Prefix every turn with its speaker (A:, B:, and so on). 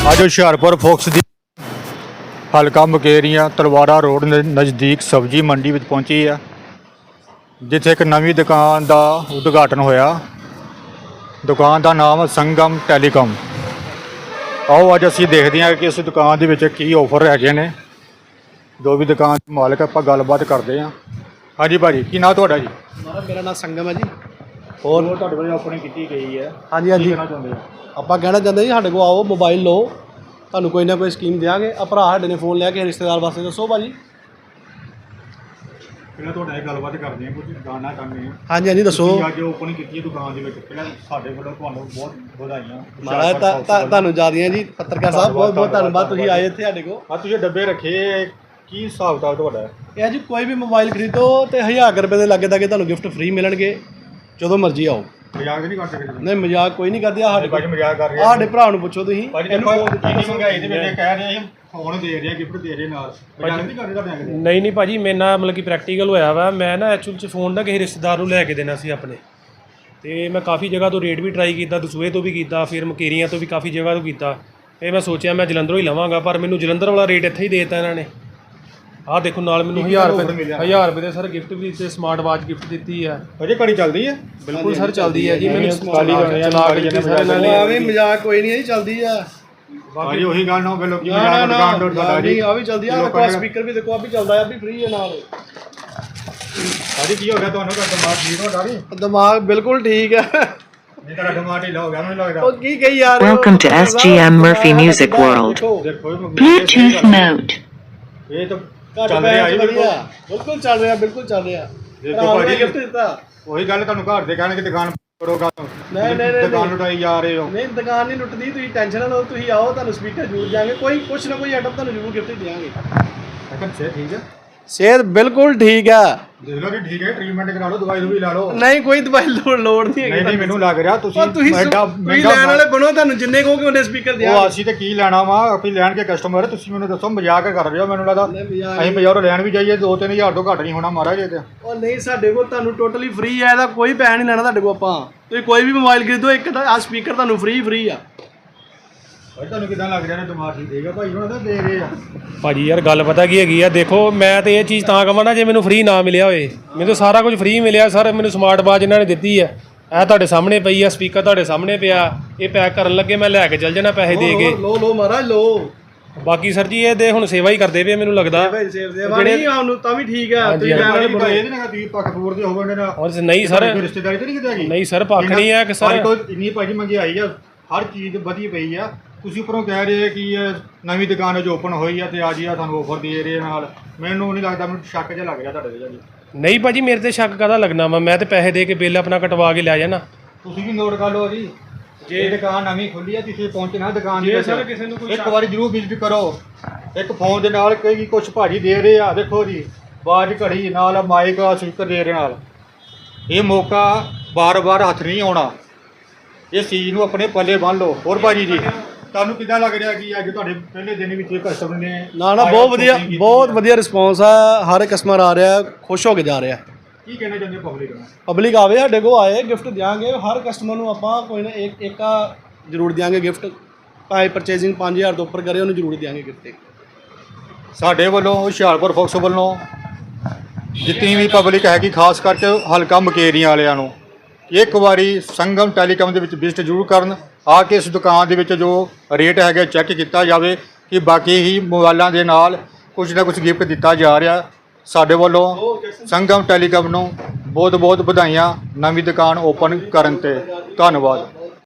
A: ਅੱਜ ਹੁਸ਼ਿਆਰਪੁਰ ਫੋਕਸ ਦੀ ਹਲਕਾ ਮੁਕੇਰੀਆਂ ਤਲਵਾੜਾ ਰੋਡ ਨਜ਼ਦੀਕ ਸਬਜ਼ੀ ਮੰਡੀ ਵਿੱਚ ਪਹੁੰਚੀ ਆ, ਜਿੱਥੇ ਇੱਕ ਨਵੀਂ ਦੁਕਾਨ ਦਾ ਉਦਘਾਟਨ ਹੋਇਆ। ਦੁਕਾਨ ਦਾ ਨਾਮ ਸੰਗਮ ਟੈਲੀਕਾਮ। ਆਓ ਅੱਜ ਅਸੀਂ ਦੇਖਦੇ ਹਾਂ ਕਿ ਇਸ ਦੁਕਾਨ ਦੇ ਵਿੱਚ ਕੀ ਆਫਰ ਹੈਗੇ ਨੇ। ਜੋ ਵੀ ਦੁਕਾਨ ਦੇ ਮਾਲਕ ਆਪਾਂ ਗੱਲਬਾਤ ਕਰਦੇ ਹਾਂ। ਹਾਂਜੀ ਭਾਜੀ, ਕੀ ਨਾਮ ਤੁਹਾਡਾ ਜੀ?
B: ਮੇਰਾ ਨਾਮ ਸੰਗਮ ਹੈ ਜੀ।
A: ਹੋਰ ਤੁਹਾਡੇ ਵੱਲੋਂ ਓਪਨਿੰਗ ਕੀਤੀ ਗਈ ਹੈ,
B: ਹਾਂਜੀ ਹਾਂਜੀ,
A: ਕਹਿਣਾ ਚਾਹੁੰਦੇ ਆ?
B: ਆਪਾਂ ਕਹਿਣਾ ਚਾਹੁੰਦੇ ਜੀ ਸਾਡੇ ਕੋਲ ਆਓ, ਮੋਬਾਈਲ ਲਓ, ਤੁਹਾਨੂੰ ਕੋਈ ਨਾ ਕੋਈ ਸਕੀਮ ਦਿਆਂਗੇ। ਆ ਭਰਾ ਸਾਡੇ ਨੇ ਫੋਨ ਲਿਆ ਕੇ ਰਿਸ਼ਤੇਦਾਰ ਵਾਸਤੇ। ਦੱਸੋ ਭਾਜੀ।
A: ਪਹਿਲਾਂ ਤੁਹਾਡਾ ਇਹ ਗੱਲਬਾਤ ਕਰਦੇ ਹਾਂ, ਕੁਝ ਜਾਣਨਾ ਚਾਹੁੰਦੇ ਹਾਂ।
B: ਹਾਂਜੀ ਹਾਂਜੀ, ਦੱਸੋ।
A: ਅੱਜ ਓਪਨਿੰਗ ਕੀਤੀ ਹੈ ਦੁਕਾਨ ਦੇ ਵਿੱਚ, ਪਹਿਲਾਂ ਸਾਡੇ ਵੱਲੋਂ ਤੁਹਾਨੂੰ ਬਹੁਤ ਵਧਾਈਆਂ।
B: ਮਹਾਰਾਜ ਤੁਹਾਨੂੰ ਜ਼ਿਆਦੀਆਂ ਜੀ। ਪੱਤਰਕਾਰ ਸਾਹਿਬ ਬਹੁਤ ਬਹੁਤ ਧੰਨਵਾਦ, ਤੁਸੀਂ ਆਏ ਇੱਥੇ ਸਾਡੇ ਕੋਲ।
A: ਆ ਤੁਸੀਂ ਡੱਬੇ ਰੱਖੇ, ਕੀ ਹਿਸਾਬ ਕਿਤਾਬ ਤੁਹਾਡਾ?
B: ਇਹ ਜੀ ਕੋਈ ਵੀ ਮੋਬਾਈਲ ਖਰੀਦੋ ਤੇ 1000 ਰੁਪਏ ਦੇ ਲਾਗੇ ਤੱਕ ਤੁਹਾਨੂੰ ਗਿਫਟ ਫ੍ਰੀ ਮਿਲਣਗੇ, ਜਦੋਂ ਮਰਜ਼ੀ ਆਓ।
A: ਮਜ਼ਾਕ ਨਹੀਂ ਕਰ ਸਕਦੇ?
B: ਨਹੀਂ, ਮਜ਼ਾਕ ਕੋਈ ਨਹੀਂ ਕਰਦੇ। ਸਾਡੇ
A: ਭਾਜੀ ਮਜ਼ਾਕ ਕਰ ਰਹੇ
B: ਸਾਡੇ ਭਰਾ ਨੂੰ ਪੁੱਛੋ ਤੁਸੀਂ।
A: ਇਹਨੂੰ ਮਹਿੰਗਾਈ ਦੇ ਵਿੱਚ ਕਹਿ ਰਹੇ ਆ ਫੋਨ ਦੇ ਰਹੇ ਆ, ਗਿਫਟ ਦੇ ਰਹੇ ਨਾਲ। ਮਜ਼ਾਕ ਨਹੀਂ ਕਰਦੇ ਤੁਹਾਡੇ ਨਾਲ?
C: ਨਹੀਂ ਭਾਜੀ, ਮੇਰੇ ਨਾਲ ਮਤਲਬ ਕਿ ਪ੍ਰੈਕਟੀਕਲ ਹੋਇਆ ਵਾ। ਮੈਂ ਨਾ ਐਕਚੁਅਲ 'ਚ ਫੋਨ ਨਾ ਕਿਸੇ ਰਿਸ਼ਤੇਦਾਰ ਨੂੰ ਲੈ ਕੇ ਦੇਣਾ ਸੀ ਆਪਣੇ, ਤੇ ਮੈਂ ਕਾਫੀ ਜਗ੍ਹਾ ਤੋਂ ਰੇਟ ਵੀ ਟਰਾਈ ਕੀਤਾ, ਦਸੂਹੇ ਤੋਂ ਵੀ ਕੀਤਾ, ਫਿਰ ਮਕੇਰੀਆਂ ਤੋਂ ਵੀ ਕਾਫੀ ਜਗ੍ਹਾ ਤੋਂ ਕੀਤਾ। ਇਹ ਮੈਂ ਸੋਚਿਆ ਮੈਂ ਜਲੰਧਰੋਂ ਹੀ ਲਵਾਂਗਾ, ਪਰ ਮੈਨੂੰ ਜਲੰਧਰ ਵਾਲਾ ਰੇਟ ਇੱਥੇ ਹੀ ਦੇ ਦਿੱਤਾ ਇਹਨਾਂ ਨੇ। ਆਹ ਦੇਖੋ, ਨਾਲ ਮੈਨੂੰ 1000 ਰੁਪਏ ਦੇ ਸਰ ਗਿਫਟ ਵੀ ਤੇ ਸਮਾਰਟ ਵਾਚ ਗਿਫਟ ਦਿੱਤੀ ਹੈ।
A: ਅਜੇ ਘੜੀ ਚੱਲਦੀ ਹੈ?
C: ਬਿਲਕੁਲ ਸਰ, ਚੱਲਦੀ ਹੈ ਜੀ। ਮੈਨੂੰ
A: ਚਲਾ ਕੇ ਦਿੱਤੀ
C: ਸਰ ਇਹਨਾਂ ਨੇ।
B: ਆਵੇਂ ਮਜ਼ਾਕ ਕੋਈ ਨਹੀਂ ਹੈ ਜੀ, ਚੱਲਦੀ ਆ।
A: ਭਾਜੀ ਉਹੀ ਗੱਲ ਨਾ ਹੋਵੇ ਲੋਕੀ
B: ਨਾ
A: ਮਜ਼ਾਕ ਦੁਕਾਨ ਤੋਂ
B: ਨਾ ਨਹੀਂ, ਆ ਵੀ ਚੱਲਦੀ ਆ। ਦੇਖੋ ਸਪੀਕਰ ਵੀ ਦੇਖੋ, ਆ ਵੀ ਚੱਲਦਾ ਆ, ਵੀ ਫ੍ਰੀ ਹੈ ਨਾਲ।
A: ਭਾਜੀ ਕੀ ਹੋ ਗਿਆ ਤੁਹਾਨੂੰ? ਤੁਹਾਡਾ ਦਿਮਾਗ ਠੀਕ ਹੋ ਡਾੜੀ?
B: ਦਿਮਾਗ ਬਿਲਕੁਲ ਠੀਕ ਹੈ।
A: ਨਹੀਂ ਤੁਹਾਡਾ ਦਿਮਾਗ ਢਿੱਲਾ ਹੋ ਗਿਆ ਮੈਨੂੰ ਲੱਗਦਾ।
B: ਉਹ ਕੀ ਕਹੀ ਯਾਰ।
D: Welcome to SGM Murphy Music World.
A: ਦੇਖੋ
D: Bluetooth mode.
A: ਇਹ ਤਾਂ ਚੱਲ ਰਿਹਾ ਜੀ,
B: ਬਿਲਕੁਲ ਚੱਲ ਰਿਹਾ, ਬਿਲਕੁਲ ਚੱਲ ਰਿਹਾ।
A: ਦੇਖੋ ਭਾਜੀ
B: ਗਿਫਟ ਦਿੱਤਾ।
A: ਉਹੀ ਗੱਲ ਤੁਹਾਨੂੰ ਘਰ ਦੇ ਕਹਿਣਗੇ ਦੁਕਾਨ ਕਰੋਗਾ,
B: ਨਹੀਂ
A: ਦੁਕਾਨ ਲੁਟਾਈ ਜਾ ਰਹੇ ਹੋ।
B: ਨਹੀਂ, ਦੁਕਾਨ ਨਹੀਂ ਲੁੱਟਦੀ, ਤੁਸੀਂ ਟੈਨਸ਼ਨ ਨਾ ਲਓ। ਤੁਸੀਂ ਆਓ, ਤੁਹਾਨੂੰ ਸਪੀਕਰ ਜ਼ਰੂਰ ਦਿਆਂਗੇ। ਕੁਛ ਨਾ ਕੋਈ ਆਈਟਮ ਤੁਹਾਨੂੰ ਜ਼ਰੂਰ ਗਿਫਟ ਦਿਆਂਗੇ।
A: ਅਕਨ ਸੇ ਠੀਕ ਹੈ,
B: ਸਿਹਤ ਬਿਲਕੁਲ ਠੀਕ ਆ।
A: ਦੇਖ ਲਓ ਜੀ, ਠੀਕ ਹੈ। ਟ੍ਰੀਟਮੈਂਟ ਕਰਾ ਲਓ, ਦਵਾਈ ਵੀ ਲਾ ਲਓ।
B: ਨਹੀਂ, ਕੋਈ ਦਵਾਈ ਲੋੜ ਨਹੀਂ ਹੈਗੀ।
A: ਨਹੀਂ ਮੈਨੂੰ ਲੱਗ ਰਿਹਾ ਤੁਸੀਂ
B: ਲੈਣ ਵਾਲੇ ਬਣੋ, ਤੁਹਾਨੂੰ ਜਿੰਨੇ ਕਹੋਗੇ ਉਹਨੇ ਸਪੀਕਰ ਦਿਆਂਗੇ।
A: ਉਹ ਅਸੀਂ ਤੇ ਕੀ ਲੈਣਾ ਵਾ, ਆਪੀ ਲੈਣ ਕੇ ਕਸਟਮਰ। ਤੁਸੀਂ ਮੈਨੂੰ ਦੱਸੋ, ਮਜ਼ਾਕ ਕਰ ਰਹੇ ਹੋ? ਮੈਨੂੰ ਲੱਗਦਾ ਅਸੀਂ ਬਾਜ਼ਾਰੋਂ ਲੈਣ ਵੀ ਜਾਈਏ 2-3000 ਤੋਂ ਘੱਟ ਨਹੀਂ ਹੋਣਾ ਮਹਾਰਾਜ ਇਹ ਤੇ।
B: ਉਹ ਨਹੀਂ, ਸਾਡੇ ਕੋਲ ਤੁਹਾਨੂੰ ਟੋਟਲੀ ਫ੍ਰੀ ਹੈ, ਇਹਦਾ ਕੋਈ ਪੈਸਾ ਨਹੀਂ ਲੈਣਾ ਤੁਹਾਡੇ ਕੋਲ। ਆਪਾਂ ਤੁਸੀਂ ਕੋਈ ਵੀ ਮੋਬਾਈਲ ਖਰੀਦੋ, ਇੱਕ ਤਾਂ ਆ ਸਪੀਕਰ ਤੁਹਾਨੂੰ ਫ੍ਰੀ ਆ।
A: ਭਾਈ ਤੁਹਾਨੂੰ ਕਿਦਾਂ ਲੱਗ ਰਿਹਾ ਨੇ? ਦਿਮਾਗ ਠੀਕ ਹੈਗਾ ਭਾਈ, ਉਹਨਾਂ ਦਾ ਦੇ ਰਹੇ ਆ।
C: ਭਾਜੀ ਯਾਰ ਗੱਲ ਪਤਾ ਕੀ ਹੈਗੀ ਆ, ਦੇਖੋ ਮੈਂ ਤੇ ਇਹ ਚੀਜ਼ ਤਾਂ ਕਹਾਂ ਨਾ, ਜੇ ਮੈਨੂੰ ਫ੍ਰੀ ਨਾ ਮਿਲਿਆ ਹੋਏ। ਮੈਨੂੰ ਸਾਰਾ ਕੁਝ ਫ੍ਰੀ ਮਿਲਿਆ ਸਰ। ਮੈਨੂੰ ਸਮਾਰਟ ਵਾਚ ਇਹਨਾਂ ਨੇ ਦਿੱਤੀ ਹੈ, ਇਹ ਤੁਹਾਡੇ ਸਾਹਮਣੇ ਪਈ ਆ, ਸਪੀਕਰ ਤੁਹਾਡੇ ਸਾਹਮਣੇ ਪਿਆ। ਇਹ ਪੈਕ ਕਰਨ ਲੱਗੇ ਮੈਂ ਲੈ ਕੇ ਚੱਲ ਜਾਣਾ ਪੈਸੇ ਦੇ ਕੇ।
B: ਲੋ ਮਹਾਰਾਜ ਲੋ।
C: ਬਾਕੀ ਸਰ ਜੀ ਇਹ ਦੇ ਹੁਣ ਸੇਵਾ ਹੀ ਕਰਦੇ ਪਏ ਮੈਨੂੰ ਲੱਗਦਾ।
B: ਨਹੀਂ ਉਹਨੂੰ ਤਾਂ ਵੀ ਠੀਕ ਆ।
A: ਤੁਸੀਂ ਲੈਣ ਵਾਲੇ ਬਣੋ, ਇਹਦੇ ਨਾਲ ਤੁਸੀਂ ਪੱਖਪੂਰ ਦੇ ਹੋਵੋਗੇ ਨਾ।
C: ਔਰ ਨਹੀਂ ਸਰ,
A: ਰਿਸ਼ਤੇਦਾਰੀ ਤੇ ਨਹੀਂ ਕਿਤੇ ਹੈਗੀ?
C: ਨਹੀਂ ਸਰ, ਪੱਖ ਨਹੀਂ ਹੈ ਕਿ ਸਰ
A: ਇੰਨੀ ਭਾਜੀ ਮਹਿੰਗਾਈ ਆ, ਹਰ ਚੀਜ਼ ਵਧੀ ਪਈ ਆ। ਤੁਸੀਂ ਉੱਪਰੋਂ ਕਹਿ ਰਹੇ ਕਿ ਨਵੀਂ ਦੁਕਾਨ ਜੋ ਓਪਨ ਹੋਈ ਆ ਤੇ ਅੱਜ ਆ ਤੁਹਾਨੂੰ ਆਫਰ ਦੇ ਰਹੇ ਨਾਲ। ਮੈਨੂੰ ਨਹੀਂ ਲੱਗਦਾ, ਮੈਨੂੰ ਸ਼ੱਕ ਜਿਹਾ ਲੱਗ ਰਿਹਾ ਤੁਹਾਡੇ ਤੇ ਜੀ।
C: ਨਹੀਂ ਭਾਜੀ, ਮੇਰੇ ਤੇ ਸ਼ੱਕ ਕਾਹਦਾ ਲੱਗਣਾ ਵਾ? ਮੈਂ ਤੇ ਪੈਸੇ ਦੇ ਕੇ ਬਿੱਲ ਆਪਣਾ ਕਟਵਾ ਕੇ ਲੈ ਜਾਣਾ।
A: ਤੁਸੀਂ ਵੀ ਨੋਟ ਕਰ ਲਓ ਜੀ, ਜੇ ਦੁਕਾਨ ਨਵੀਂ ਖੁੱਲੀ ਆ ਤੁਸੀਂ ਪਹੁੰਚਣਾ ਦੁਕਾਨ ਦੇ ਵਿੱਚ।
C: ਕਿਸੇ ਨੂੰ
A: ਇੱਕ ਵਾਰੀ ਜ਼ਰੂਰ ਵਿਜ਼ਿਟ ਕਰੋ। ਇੱਕ ਫੋਨ ਦੇ ਨਾਲ ਕਈ ਕੁਝ ਭਾਜੀ ਦੇ ਰਹੇ ਆ, ਦੇਖੋ ਜੀ, ਬਾਜ ਘੜੀ ਨਾਲ ਮਾਈਕ ਸਪੀਕਰ ਦੇ ਰਹੇ ਨਾਲ। ਇਹ ਮੌਕਾ ਬਾਰ-ਬਾਰ ਹੱਥ ਨਹੀਂ ਆਉਣਾ, ਇਸ ਚੀਜ਼ ਨੂੰ ਆਪਣੇ ਪੱਲੇ ਬੰਨ੍ਹ ਲਓ। ਹੋਰ ਭਾਜੀ ਜੀ ਤੁਹਾਨੂੰ ਕਿੱਦਾਂ ਲੱਗ ਰਿਹਾ ਕਿ ਅੱਜ ਤੁਹਾਡੇ ਪਹਿਲੇ ਦਿਨ ਵਿੱਚ ਕਸਟਮਰ ਨੇ?
B: ਨਾ ਬਹੁਤ ਵਧੀਆ ਰਿਸਪੌਂਸ ਆ। ਹਰ ਕਸਟਮਰ ਆ ਰਿਹਾ, ਖੁਸ਼ ਹੋ ਕੇ ਜਾ ਰਿਹਾ।
A: ਕੀ ਕਹਿਣਾ ਚਾਹੁੰਦੇ ਪਬਲਿਕ ਨੂੰ?
B: ਪਬਲਿਕ ਆਵੇ, ਸਾਡੇ ਕੋਲ ਆਏ, ਗਿਫਟ ਦਿਆਂਗੇ। ਹਰ ਕਸਟਮਰ ਨੂੰ ਆਪਾਂ ਕੋਈ ਨਾ ਇੱਕ ਜ਼ਰੂਰ ਦਿਆਂਗੇ ਗਿਫਟ। ਭਾਵੇਂ ਪਰਚੇਜ਼ਿੰਗ 5000 ਤੋਂ ਉੱਪਰ ਕਰੇ, ਉਹਨੂੰ ਜ਼ਰੂਰ ਦਿਆਂਗੇ ਗਿਫਟ।
A: ਸਾਡੇ ਵੱਲੋਂ ਹੁਸ਼ਿਆਰਪੁਰ ਫੋਕਸ ਵੱਲੋਂ ਜਿੰਨੀ ਵੀ ਪਬਲਿਕ ਹੈਗੀ, ਖਾਸ ਕਰਕੇ ਹਲਕਾ ਮੁਕੇਰੀਆਂ ਵਾਲਿਆਂ ਨੂੰ, ਇੱਕ ਵਾਰੀ ਸੰਗਮ ਟੈਲੀਕਾਮ ਦੇ ਵਿੱਚ ਵਿਜ਼ਿਟ ਜ਼ਰੂਰ ਕਰਨ। ਆ ਕੇ ਇਸ ਦੁਕਾਨ ਦੇ ਵਿੱਚ ਜੋ ਰੇਟ ਹੈਗਾ ਚੈੱਕ ਕੀਤਾ ਜਾਵੇ ਕਿ ਬਾਕੀ ਹੀ ਮੋਬਾਈਲਾਂ ਦੇ ਨਾਲ ਕੁਝ ਨਾ ਕੁਝ ਗਿਫਟ ਦਿੱਤਾ ਜਾ ਰਿਹਾ। ਸਾਡੇ ਵੱਲੋਂ ਸੰਗਮ ਟੈਲੀਕਾਮ ਨੂੰ ਬਹੁਤ ਬਹੁਤ ਵਧਾਈਆਂ ਨਵੀਂ ਦੁਕਾਨ ਓਪਨ ਕਰਨ 'ਤੇ। ਧੰਨਵਾਦ।